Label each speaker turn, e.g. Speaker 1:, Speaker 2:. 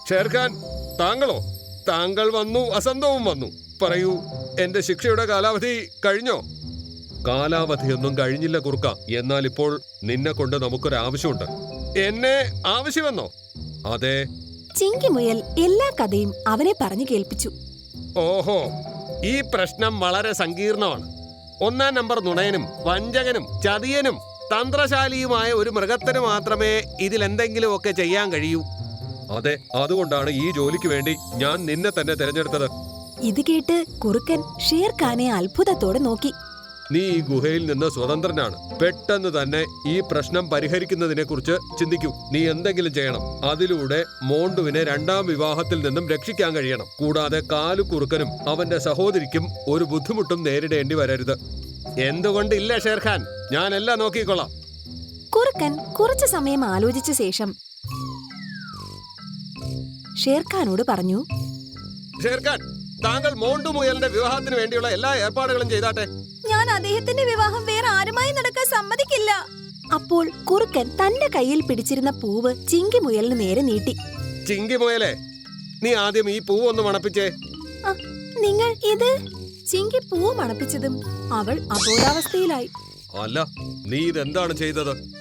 Speaker 1: ഷേർഖാൻ, താങ്കളോ? താങ്കൾ വന്നു, അസന്തവും വന്നു. പറയൂ, എന്റെ ശിക്ഷയുടെ കാലാവധി കഴിഞ്ഞോ? കാലാവധിയൊന്നും കഴിഞ്ഞില്ല കുറുക്ക. എന്നാൽ ഇപ്പോൾ നിന്നെ കൊണ്ട് നമുക്കൊരാവശ്യമുണ്ട്. എന്നെ ആവശ്യമെന്നോ? അതെ.
Speaker 2: ചിങ്കിമുയൽ എല്ലാ കഥയും അവനെ പറഞ്ഞു കേൾപ്പിച്ചു.
Speaker 1: ഓഹോ, ഈ പ്രശ്നം വളരെ സങ്കീർണമാണ്. 1-ാം നമ്പർ നുണയനും വഞ്ചകനും ചതിയനും തന്ത്രശാലിയുമായ ഒരു മൃഗത്തിന് മാത്രമേ ഇതിലെന്തെങ്കിലുമൊക്കെ ചെയ്യാൻ കഴിയൂ. അതെ, അതുകൊണ്ടാണ് ഈ ജോലിക്ക് വേണ്ടി ഞാൻ നിന്നെ തന്നെ തിരഞ്ഞെടുത്തത്.
Speaker 2: ഇത് കേട്ട് കുറുക്കൻ ഷേർഖാനെ അത്ഭുതത്തോടെ നോക്കി.
Speaker 1: നീ ഈ ഗുഹയിൽ നിന്ന് സ്വതന്ത്രനാണ്. പെട്ടെന്ന് തന്നെ ഈ പ്രശ്നം പരിഹരിക്കുന്നതിനെ കുറിച്ച് ചിന്തിക്കൂ. നീ എന്തെങ്കിലും ചെയ്യണം. അതിലൂടെ മോണ്ടുവിനെ 2-ാം വിവാഹത്തിൽ നിന്നും രക്ഷിക്കാൻ കഴിയണം. കൂടാതെ കാലുകുറുക്കനും അവന്റെ സഹോദരിക്കും ഒരു ബുദ്ധിമുട്ടും നേരിടേണ്ടി വരരുത്. എന്തുകൊണ്ടില്ല ഷേർഖാൻ, ഞാൻ എല്ലാം നോക്കിക്കൊള്ളാം.
Speaker 2: കുറുക്കൻ കുറച്ചു സമയം ആലോചിച്ച ശേഷം ഷേർഖാനോട് പറഞ്ഞു.
Speaker 1: ഷേർഖാൻ, താങ്കൾ മോണ്ടു മുയലിന്റെ വിവാഹത്തിന് വേണ്ടിയുള്ള എല്ലാ ഏർപ്പാടുകളും ചെയ്താട്ടെ.
Speaker 2: ഞാൻ അദ്ദേഹത്തിന്റെ വിവാഹം വേറെ ആരുമായി നടക്കാൻ സമ്മതിക്കില്ല. അപ്പോൾ കുറുക്കൻ തന്റെ കയ്യിൽ പിടിച്ചിരുന്ന പൂവ് ചിങ്കിമുയലിന് നേരെ നീട്ടി.
Speaker 1: ചിങ്കിമുയലെ, നീ ആദ്യം ഈ പൂവ് ഒന്ന് മണപ്പിച്ചേ.
Speaker 2: നിങ്ങൾ ഇത്? ചിങ്കി പൂവ് മണപ്പിച്ചതും അവൾ അബോധാവസ്ഥയിലായി.
Speaker 1: അല്ല, നീ ഇതെന്താണ് ചെയ്തത്?